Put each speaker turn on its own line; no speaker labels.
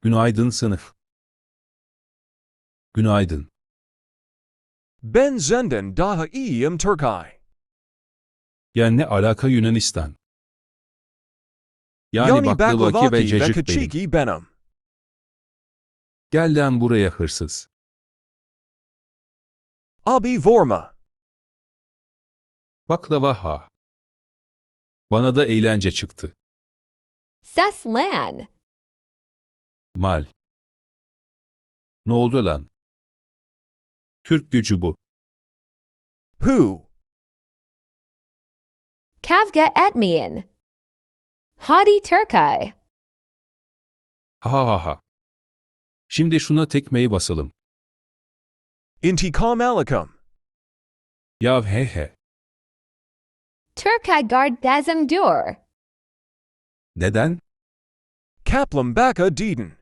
Günaydın sınıf. Günaydın.
Ben zenden daha iyiyim Turkay.
Ya ne alaka Yunanistan? Yani
Yani
baklavaki ve
baklavaki ve
cacık benim.
kaçiki benim.
Gel lan buraya hırsız.
Abi vorma.
Baklava ha. Bana da eğlence çıktı.
Ses lan.
Mal. Ne oldu lan? Türk gücü bu.
Who?
Kavga etmeyin. Hadi Turkay.
Ha ha ha. Şimdi şuna tekmeyi basalım.
Intikam alikum.
Ya he he.
Turkay guard dazim dur.
Neden?
Kaplam baka deden.